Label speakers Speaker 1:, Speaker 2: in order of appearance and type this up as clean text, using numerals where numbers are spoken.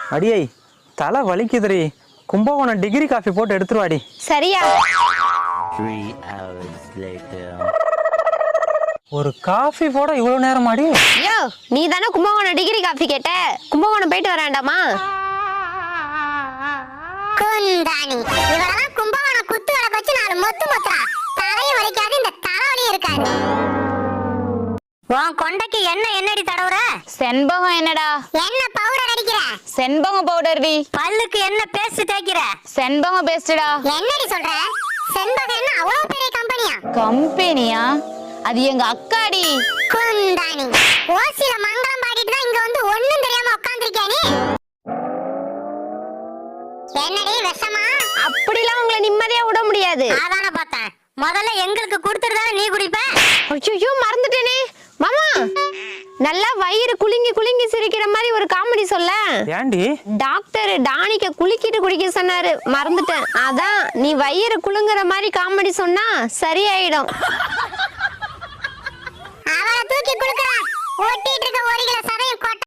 Speaker 1: அடியை தலை வலிக்குதுரி. Kumbakonam degree coffee போட்டு எடுத்துருவாடி.
Speaker 2: சரியா?
Speaker 3: 3 hours later.
Speaker 1: ஒரு காஃபி போட இவ்வளவு நேரம் ஆடி?
Speaker 2: யோ, நீ தானே கும்பகோணம் டிகிரி காஃபி கேட்ட. கும்பகோணம் போயிட்டு வர வேண்டாமா?
Speaker 4: குந்தாணி இவரெல்லாம் கும்பகோணம் குத்து வர வச்சு நாலு மொத்து மொத்தா தலையும் வலிக்காது, இந்த தலைவலி இருக்காது. உன் கொண்டைக்கு என்னடி தடவுற?
Speaker 5: செண்பகம் என்னடா?
Speaker 4: என்ன பவுடர் அடிக்கிற?
Speaker 5: செண்பகம் பவுடர் டி.
Speaker 4: பல்லுக்கு என்ன பேஸ்ட் தேய்க்கிற?
Speaker 5: செண்பகம் பேஸ்டா.
Speaker 4: என்னடி சொல்ற? செண்பகம் என்ன அவ்வளவு பெரிய கம்பெனியா?
Speaker 5: கம்பெனியா? அது எங்க அக்காடி.
Speaker 4: குந்தாணி ஓசில மங்களம் பாடிட்டு தான் இங்க வந்து ஒண்ணும் தெரியாம உட்கார்ந்திருக்கியா நீ? என்னடி விஷமா?
Speaker 2: அப்படிலாம் உங்களை நிம்மதியா விட முடியாது.
Speaker 4: அதான பார்த்தேன். முதல்ல எங்களுக்கு கொடுத்துட்டு நீ குடிப்ப.
Speaker 2: ஐயோ, மறந்துட்டேனே மாமா. நல்லா வயிறு குலுங்கி குலுங்கி சிரிக்கிற மாதிரி ஒரு காமெடி சொல்ல.
Speaker 1: ஏண்டி?
Speaker 2: டாக்டர் டானிக்க குலுக்கிட்டு குடிக்க சொன்னாரு, மறந்துட்டேன். அதான் நீ வயிறு குலுங்குற மாதிரி காமெடி சொன்னா சரியாயிடும்.